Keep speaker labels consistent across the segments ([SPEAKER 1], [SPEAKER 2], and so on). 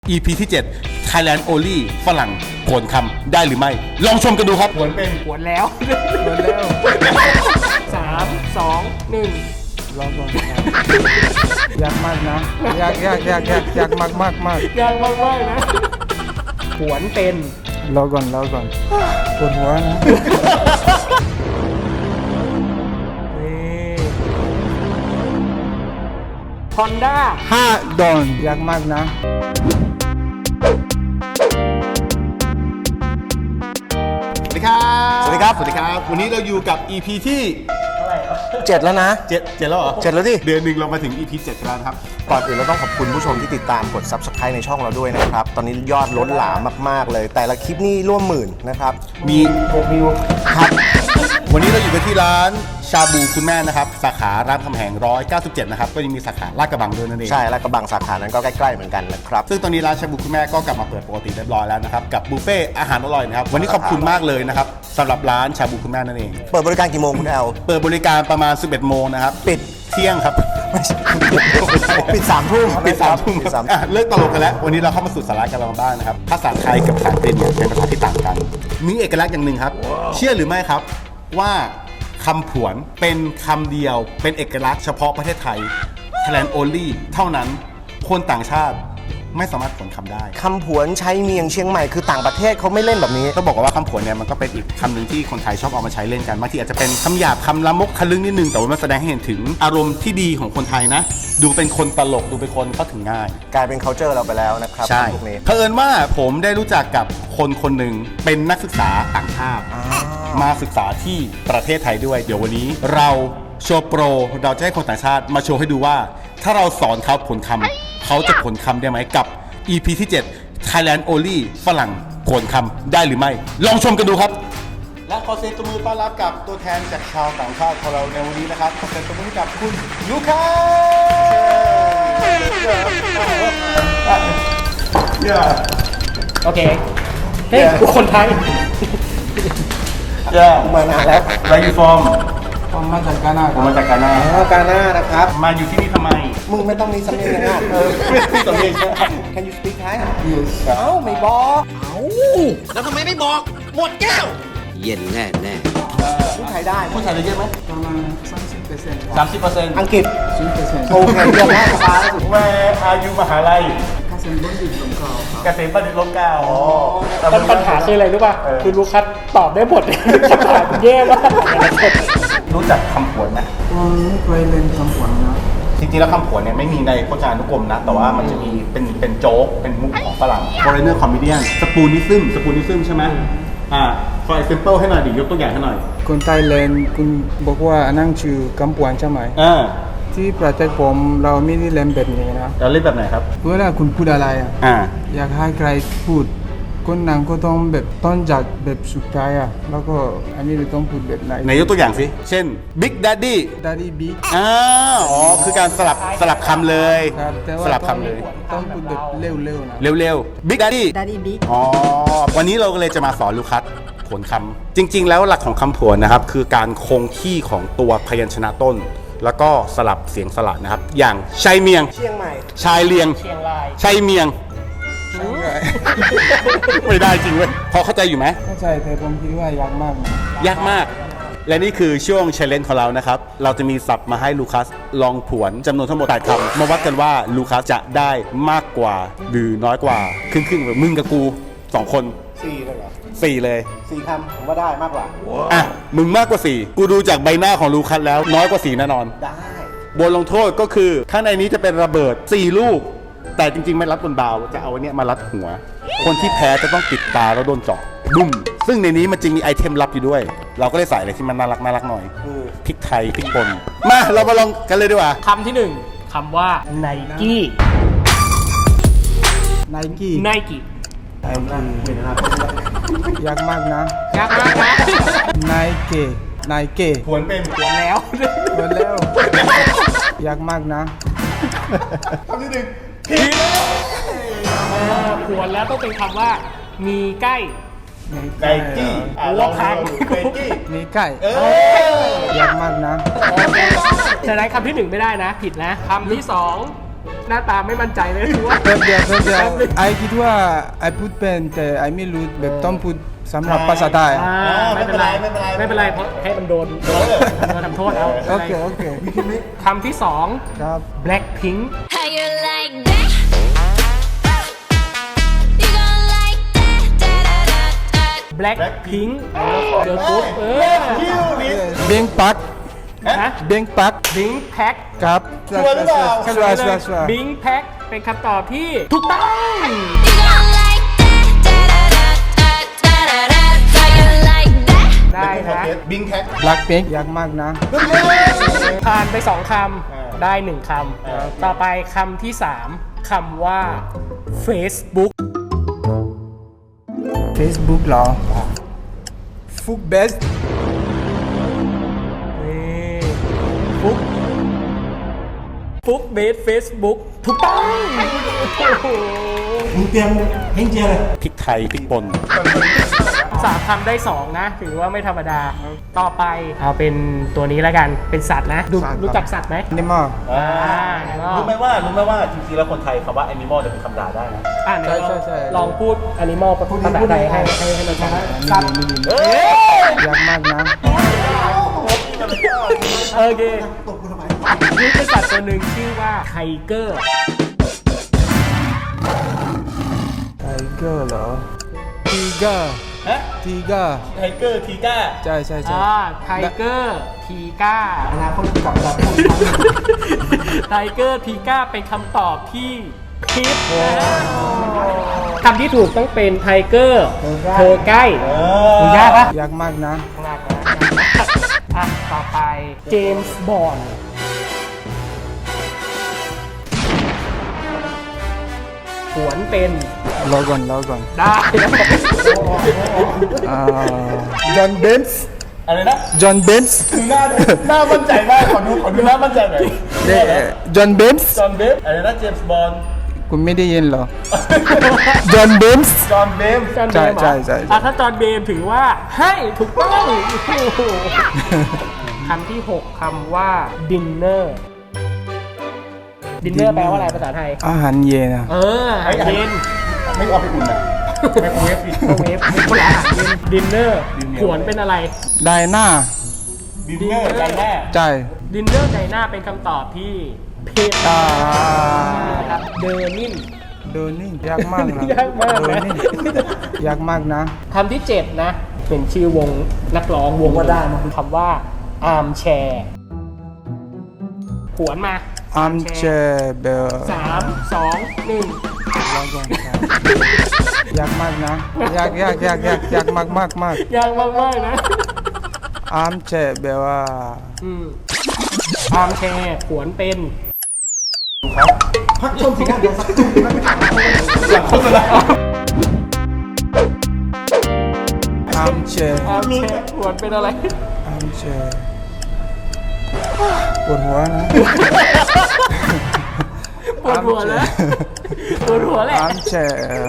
[SPEAKER 1] EP ที่ 7 Thailand Only ฝรั่งโขนคำได้หรือไม่ ลองชมกันดูครับผวนเป็น
[SPEAKER 2] หวนแล้ว
[SPEAKER 3] หมดแล้ว
[SPEAKER 2] 3 2 1
[SPEAKER 3] รอก่อนครับยากมากนะยากมากมาก
[SPEAKER 2] ยากมากๆนะหวนเป็น
[SPEAKER 3] รอก่อนปวดหัวนะ
[SPEAKER 2] นี่ Honda
[SPEAKER 3] 5 ดอนยากมากนะ
[SPEAKER 1] สวัสดีครับ สวัสดีครับ สวัสดีครับ วันนี้เราอยู่กับ EP ที่
[SPEAKER 4] 7 แล้วนะ
[SPEAKER 1] 7แล้วเหรอ
[SPEAKER 4] 7 แล้วดิ
[SPEAKER 1] เดือนหนึ่งเรามาถึง EP 7แล้วนะครับ
[SPEAKER 4] ก่อนอื่นเราต้องขอบคุณผู้ชมที่ติดตามกด Subscribe ในช่องเราด้วยนะครับ ตอนนี้ยอดล้นหลามมากๆเลย แต่ละคลิปนี่ร่วมหมื่นนะครับ
[SPEAKER 1] มีวิวครับ วันนี้เราอยู่กันที่ร้านชาบูคุณแม่นะครับ สาขารามคำแหง 197 นะครับ ก็ยังมีสาขาลาดกระบังด้วยนั่นเอง
[SPEAKER 4] ใช่ และกระบังสาขานั้นก็ใกล้ๆเหมือนกันนะครับ
[SPEAKER 1] ซึ่งตอนนี้ร้านชาบูคุณแม่ก็กลับมาเปิดปกติเรียบร้อยแล้วนะครับกับบุฟเฟ่อาหารอร่อยนะครับวันนี้ขอบคุณมากเลยนะครับสำหรับร้านชาบูคุณแม่นั่นเอง
[SPEAKER 4] เปิดบริการกี่โมงคุณแอล
[SPEAKER 1] เปิดบริการประมาณ 11 โมงนะครับ
[SPEAKER 4] ปิด
[SPEAKER 1] เที่ยงครับ
[SPEAKER 4] ปิด 3 ทุ่ม
[SPEAKER 1] ปิด3 ทุ่มครับอ่ะเลิกตลกกันแล้ววันนี้เราเข้ามาสู่สาระกันบ้างนะครับภาษาไทยกับภาษาอังกฤษเนี่ยเป็นภาษาที่ต่างกันมีเอกลักษณ์อย่างหนึ่งครับเชื่อหรือไม่ครับว่าคำผวนเป็นคำเดียวเป็นเอกลักษณ์เฉพาะประเทศไทย Thailand Only เท่านั้นคนต่างชาติไม่สามารถผวนคำได้
[SPEAKER 4] คำผวนใช้เมียงเชียงใหม่คือต่างประเทศเขาไม่เล่นแบบนี้
[SPEAKER 1] ต้องบอกว่าคำผวนเนี่ยมันก็เป็นอีกคำหนึ่งที่คนไทยชอบเอามาใช้เล่นกันบางทีอาจจะเป็นคำหยาบคำละมกทะลึ่งนิดนึงแต่ว่ามันแสดงให้เห็นถึงอารมณ์ที่ดีของคนไทยนะดูเป็นคนตลกดูเป็นคนเข้าถึงง่าย
[SPEAKER 4] กลายเป็น culture เราไปแล้วนะครับ
[SPEAKER 1] ใช่
[SPEAKER 4] พวกนี้
[SPEAKER 1] เผอิญว่าผมได้รู้จักกับคนคนหนึ่งเป็นนักศึกษาต่างชาติมาศึกษาที่ประเทศไทยด้วย เดี๋ยววันนี้เราโชว์โปรเราจะให้คนต่างชาติมาโชว์ให้ดูว่า ถ้าเราสอนเขาผลคำเขาจะผลคำได้ไหมกับ EP ที่ 7 Thailand Only ฝรั่งผลคำได้หรือไม่ ลองชมกันดูครับ และขอเสียงตัวมือต้อนรับกับตัวแทนจากชาวต่างชาติของเราในวันนี้นะครับขอเสียงตัวมือให้กับคุณลูคัส
[SPEAKER 2] โอเค เฮ้ยกูคนไทย
[SPEAKER 4] มานานแล้ว
[SPEAKER 1] Where you from
[SPEAKER 3] ผมมาจากกานา
[SPEAKER 1] ผมมาจากกานา
[SPEAKER 4] กาหน้านะครับ
[SPEAKER 1] มาอยู่ที่นี่ทำไม
[SPEAKER 4] มึงไม่ต้องมีสำเนียงอย่างนั้น
[SPEAKER 1] สำเนียงใช่ไหม
[SPEAKER 4] Can you speak Thai
[SPEAKER 3] เ
[SPEAKER 4] เอ้าไม่บอก
[SPEAKER 5] แล้วทำไมไม่บอก หมดแก้ว เย็นแน่แน่
[SPEAKER 4] พูดไทยได้
[SPEAKER 1] พูดไทยได้เยอะไหม
[SPEAKER 3] ประมาณ30%
[SPEAKER 1] 30%
[SPEAKER 4] อังกฤษ
[SPEAKER 3] 10%
[SPEAKER 4] โอเคเยี่ยมมากสบายแล้วสุด
[SPEAKER 1] Where are you มหาลัย
[SPEAKER 3] ข้าศึกบนดินสงครามครับ
[SPEAKER 1] เกษตรบัณฑิตร่มเกล้าอ๋อ
[SPEAKER 2] ปัญหาคืออะไรรู้ป่ะ คือลูคัสตอบได้หมด คำถามแย่มาก
[SPEAKER 1] รู้จักคำผวนไหม
[SPEAKER 3] ผมไม่เคยเล่นคำขวัญนะ
[SPEAKER 1] จริงๆแล้วคำผวนเนี่ยไม่มีในพจนานุกรมนะ แต่ว่ามันจะมีเป็นโจ๊ก เป็นมุกของฝรั่ง foreigner comedian สปูนิซึมใช่ไหมfor example ให้หน่อยดิยกตัวอย่างให้หน่อย
[SPEAKER 3] คนไทยเล่นคุณบอกว่านั่งชื่อกำปวนใช่ไหม ที่ประเทศผมเราไม่ได้เล่นแบบนี้นะ
[SPEAKER 1] เราเล่นแบบไหนครับ
[SPEAKER 3] เวลาคุณพูดอะไรอ่ะ อยากให้ใครพูดคนนั้นก็ต้องแบบต้นจากแบบสุดท้ายอ่ะแล้วก็อันนี้เราต้องพูดแบบไหน
[SPEAKER 1] ไหนยกตัวอย่างสิ เช่น Big Daddy
[SPEAKER 3] Daddy Big
[SPEAKER 1] อ๋อ คือการสลับคำเลย
[SPEAKER 3] ครับแต่
[SPEAKER 1] ส
[SPEAKER 3] ว่า
[SPEAKER 1] ลับคำเลย
[SPEAKER 3] ต้องพูดแบบเร็วๆนะ
[SPEAKER 1] เร็วๆ Big Daddy
[SPEAKER 6] Daddy Big
[SPEAKER 1] อ๋อ วันนี้เราก็เลยจะมาสอนลูคัสผวนคำจริง ๆ แล้วหลักของคำผวนนะครับ คือการคงที่ของตัวพยัญชนะต้น แล้วก็สลับเสียงสระนะครับ อย่างชายเมียง
[SPEAKER 4] เชียงใหม่
[SPEAKER 1] ชายเลียง
[SPEAKER 2] เชียงราย
[SPEAKER 1] ชายเมียง ไม่ได้จริงเว้ยพอเข้าใจอยู่ไหม
[SPEAKER 3] เข้าใจแต่ผมคิดว่ายากมากนะ
[SPEAKER 1] ยากมาก และนี่คือช่วง challenge ของเรานะครับ เราจะมีศัพท์มาให้ลูคัสลองผวนจำนวนทั้งหมด8คำมาวัดกันว่าลูคัสจะได้มากกว่าหรือน้อยกว่า ครึ่งๆแบบมึงกับกู 2 คน
[SPEAKER 4] 4เลยเหรอ
[SPEAKER 1] 4 เลย
[SPEAKER 4] 4คำผมว่าได้มากกว่า
[SPEAKER 1] อ่ะ มึงมากกว่า 4 กูดูจากใบหน้าของลูคัสแล้วน้อยกว่า 4 แน่นอน
[SPEAKER 4] ได้
[SPEAKER 1] บทลงโทษก็คือ ข้างในนี้จะเป็นระเบิด 4 ลูก แต่จริงๆ ไม่รัดบนบาวจะเอาอันเนี้ยมารัดหัว คนที่แพ้จะต้องปิดตาแล้วโดนเจาะบุ้มซึ่งในนี้มันจึงมีไอเทมลับอยู่ด้วย เราก็เลยใส่อะไรที่มันน่ารักหน่อยพริกไทยพริกป่นมาเรามาลองกันเลยดีกว่า
[SPEAKER 2] คำที่หนึ่งคำว่าไนกี้
[SPEAKER 3] ไนกี้
[SPEAKER 2] ไนกี้
[SPEAKER 3] ยากมากนะ
[SPEAKER 2] ยากมากนะ
[SPEAKER 3] ไนเกไนเก
[SPEAKER 1] ผวนเป็น
[SPEAKER 2] หวนแล้ว
[SPEAKER 3] หมดแล้วยากมากนะ
[SPEAKER 1] คำที่หนึ่ง
[SPEAKER 2] หวนแล้วต้องเป็นคำว่า มีใกล้
[SPEAKER 1] ไนกี้
[SPEAKER 2] หัวพัง
[SPEAKER 1] ไนกี้
[SPEAKER 3] มีไก่ยากมากนะ
[SPEAKER 2] ฉะนั้นคำที่หนึ่งไม่ได้นะ ผิดนะคำที่สองหน้าตาไม่มั่นใจเลยคือว่า
[SPEAKER 3] แป๊บเดียวไอคิดว่าไอพูดเป็นแต่ไอไม่รู้แบบต้องพูดสำหรับภาษาไทย
[SPEAKER 2] ไม่เป็นไรไม่เป็นไรเพราะให้มันโดนทำโทษเอา
[SPEAKER 3] โอเค
[SPEAKER 2] คำที่ 2
[SPEAKER 3] ครับ
[SPEAKER 2] Blackpink
[SPEAKER 6] How you like that? You gon' like that? Da da da da.
[SPEAKER 2] Blackpink เกิร์ลกรุ๊ป
[SPEAKER 3] เบงปัก
[SPEAKER 2] ฮะ
[SPEAKER 3] เบงปัก
[SPEAKER 2] Bing Pack
[SPEAKER 3] ครับชัวร์
[SPEAKER 2] Bing Pack เป็นคำตอบที่ถูกต้อง
[SPEAKER 6] You gon' like that? Da da da da da da da. How you like that?
[SPEAKER 2] ได้นะ
[SPEAKER 1] บิงแท็ก
[SPEAKER 3] แบล็คพิงค์ยากมากนะ
[SPEAKER 2] ผ่านไป 2 คำ ได้ 1 คำ ต่อไปคำที่ 3 คำว่า Facebook
[SPEAKER 3] Facebook เหรอฟุกเบส
[SPEAKER 2] นี่ฟุกเบส Facebook ถูกต้อง
[SPEAKER 5] มึงเตรียมเฮงเจียเลย
[SPEAKER 1] พริกไทยพริกป่น
[SPEAKER 2] 3 คำได้ 2 นะ ถือว่าไม่ธรรมดา ต่อไปเอาเป็นตัวนี้แล้วกัน เป็นสัตว์นะ รู้จักสัตว์ไหม
[SPEAKER 3] นี่มาก
[SPEAKER 1] รู้ไหมว่าจริงๆแล้วคนไทยคำว่า animal จะเป็นคำด่าได้นะ
[SPEAKER 3] ใช่
[SPEAKER 2] ลองพูด animal ภาษาไทยให้เราฟังสัตว์
[SPEAKER 3] ยากมากนะ
[SPEAKER 2] โอเคนี่เป็นสัตว์ตัวหนึ่งชื่อว่าไทเกอร์
[SPEAKER 3] ไทเกอร์เหรอทีเกอร์
[SPEAKER 1] ฮะ
[SPEAKER 3] ทีเกอร์
[SPEAKER 1] ไทเกอร์ทีก้า
[SPEAKER 3] ใช่
[SPEAKER 2] ไทเกอร์ทีก้าอนาคตกลับมาไทเกอร์ทีก้าเป็นคำตอบที่ผิดนะคำที่ถูกต้องเป็นไทเกอร์เธอใกล้ยากปะ
[SPEAKER 3] ยากมากนะ
[SPEAKER 2] ยากนะอ่ะต่อไปเจมส์บอนด์หวนเป็น
[SPEAKER 3] รอก่อน
[SPEAKER 2] ได้
[SPEAKER 3] จอห์นเบนส์
[SPEAKER 1] อะไรนะ
[SPEAKER 3] จอห์นเบนส์
[SPEAKER 1] หน้ามั่นใจมากขอดูหน้ามั่นใจหน่อย
[SPEAKER 3] จอห์นเบนส์
[SPEAKER 1] จอห์นเบฟอะไรนะเจมส์บอนด์
[SPEAKER 3] คุณไม่ได้ยินเหรอ จอห์นเบนส์
[SPEAKER 1] จอห์นเบฟ
[SPEAKER 2] จอห์นเบมเหรอ
[SPEAKER 3] ใช่
[SPEAKER 2] อ่ะถ้าจอห์นเบมถือว่าให้ถูกต้องคำที่ 6 คำว่า dinner dinner แปลว่าอะไรภาษาไทย
[SPEAKER 3] อาหารเย็นอะ
[SPEAKER 2] อาหารเย็น
[SPEAKER 1] ไม่เอาไปอุ่นนะไมโครเวฟดิ
[SPEAKER 2] โอเวฟเป็นคนละอาหารเย็น dinner ขวนเป็นอะไร
[SPEAKER 3] ไดน่า
[SPEAKER 1] ดินเนอร์ใจแน่
[SPEAKER 3] ใช่
[SPEAKER 2] dinner ในหน้าเป็นคำตอบที่ผิดนะครับเดอร์นิน
[SPEAKER 3] โดนี่ยากมากนะ
[SPEAKER 2] ยากมากนะ
[SPEAKER 3] โดนี่ยากมากนะ
[SPEAKER 2] คำที่ 7 นะ เป็นชื่อวงนักร้องวงก็ได้นะคำว่า arm chair ขวนมา
[SPEAKER 3] อัมเชเบล
[SPEAKER 2] 3 2 1
[SPEAKER 3] ยากมากนะยากมาก
[SPEAKER 2] ยากมากๆนะ
[SPEAKER 3] อัมเชเบลว่า
[SPEAKER 2] อาร์มแชร์ขวนเป็น
[SPEAKER 5] พักชมสิครับเดี๋ยวสักครู่ไม่ถาม
[SPEAKER 3] อัมเช
[SPEAKER 2] อาร์มแชร์ขวนเป็นอะไร
[SPEAKER 3] อัมเชปวดหัวนะ
[SPEAKER 2] ปวดหัวแล้วปวดหัวแหละ
[SPEAKER 3] อัมเช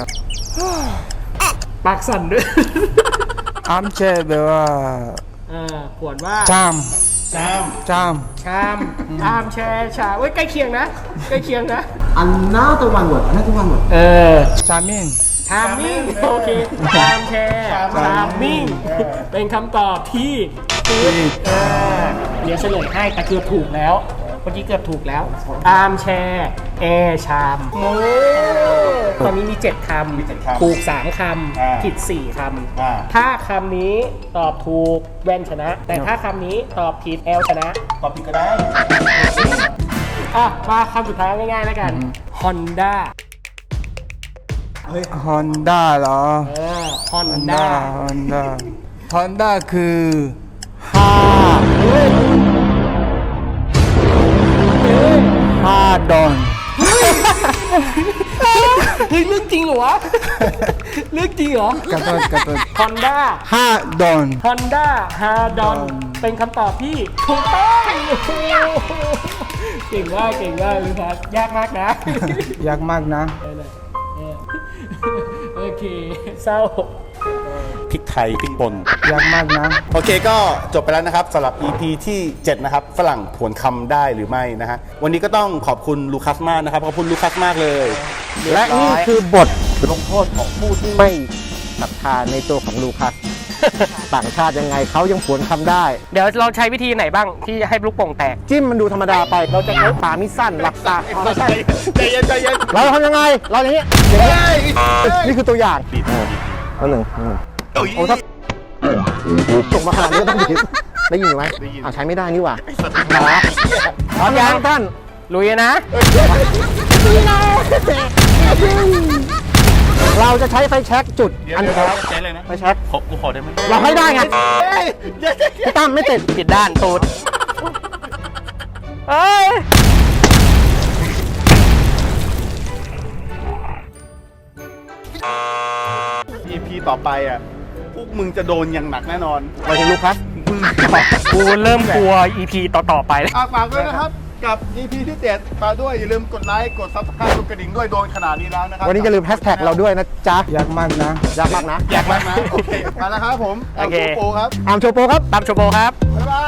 [SPEAKER 2] ปากสั่นด้วย
[SPEAKER 3] อัมเชเบลว่า
[SPEAKER 2] ขวนว่า
[SPEAKER 3] จาม
[SPEAKER 2] ชาม อาร์มแชร์ชาเว้ยใกล้เคียงนะ ใกล้เคียงนะ
[SPEAKER 5] อันน่าตะวันหมดอันน่าตะวันหมด
[SPEAKER 3] ชามิน
[SPEAKER 2] ชามมิ่งโอเคชามแชร์ชามมิ่งเป็นคำตอบที่ผิดเดี๋ยวเฉลยให้แต่เกือบถูกแล้วเมื่อกี้เกือบถูกแล้วอาร์มแชร์แอร์ชามตอนนี้มี 7 คำถูก 3 คำผิด 4 คำถ้าคำนี้ตอบถูกแว่นชนะ แต่ถ้าคำนี้ตอบผิดแอลชนะ
[SPEAKER 1] ตอบผิดก็ได้
[SPEAKER 2] มาคำสุดท้ายง่ายๆแล้วกัน Honda
[SPEAKER 3] ฮอนด้าเหรอ
[SPEAKER 2] Honda
[SPEAKER 3] ฮอนด้าคือห้าดอน
[SPEAKER 2] เฮ้ยเรื่องจริงเหรอวะ เรื่องจริงเหรอ
[SPEAKER 3] กระโดด
[SPEAKER 2] Honda
[SPEAKER 3] ห้าดอน
[SPEAKER 2] Honda Hardon เป็นคำตอบที่ถูกต้องเก่งมากเลยครับยากมากนะ
[SPEAKER 3] ยากมากนะ
[SPEAKER 2] โอเคเศร้า
[SPEAKER 1] พริกไทยพริกป่น
[SPEAKER 3] ยากมากนะ
[SPEAKER 1] โอเคก็จบไปแล้วนะครับสำหรับ EP ที่ 7 นะครับฝรั่งผวนคำได้หรือไม่นะฮะวันนี้ก็ต้องขอบคุณลูคัสมากนะครับขอบคุณลูคัสมากเลย
[SPEAKER 4] และนี่คือบทลงโทษของผู้ที่ไม่ศรัทธาในตัวของลูคัส ต่างชาติยังไงเขายังผวนคำได้
[SPEAKER 2] เดี๋ยวเราใช้วิธีไหนบ้างที่ให้ลูกโป่งแตก
[SPEAKER 4] จิ้มมันดูธรรมดาไป เราจะใช้ปามิสั้นหลับตาไม่ใช่
[SPEAKER 1] ใจเย็นใจเย็น
[SPEAKER 4] เราทำยังไง เราอย่างนี้นี่คือตัวอย่างอันหนึ่งโอ้ถ้าส่งมาขนาดนี้ก็ต้องดีได้ยินไหมใช้ไม่ได้นี่หว่าพร้อมยังท่าน
[SPEAKER 2] ลุยนะ
[SPEAKER 4] เราจะใช้ไฟแช็กจุดอันนี้
[SPEAKER 1] ใจเลยนะ
[SPEAKER 4] ไฟแช็ก
[SPEAKER 1] กูขอได้ไหม
[SPEAKER 4] เราให้ได้ไงพี่ตั้มไม่ติด
[SPEAKER 2] ผิดด้านตูดเอ้ย
[SPEAKER 1] EP ต่อไปอ่ะพวกมึงจะโดนอย่างหนักแน่นอน
[SPEAKER 4] ไปถึงลูคัส
[SPEAKER 2] กูเริ่มกลัว EP ต่อๆไปแล้ว
[SPEAKER 1] ฝากด้วยนะครับกับ EP ที่ 7 มาด้วยอย่าลืมกดไลค์กด Subscribe กดกระดิ่งด้วยโดนขนาดนี้แล้วนะครับ
[SPEAKER 4] วันนี้อย่าลืมแฮชแท็กเราด้วยนะจ๊ะ
[SPEAKER 3] ยากมากนะ
[SPEAKER 4] ยากมากนะ
[SPEAKER 1] อยากมากนะโอเคมาแล้วครับผม
[SPEAKER 2] โอเค
[SPEAKER 1] โปครับ
[SPEAKER 4] อาร์มโชโปครับ
[SPEAKER 2] ตามโชโบครับ
[SPEAKER 1] บ๊ายบา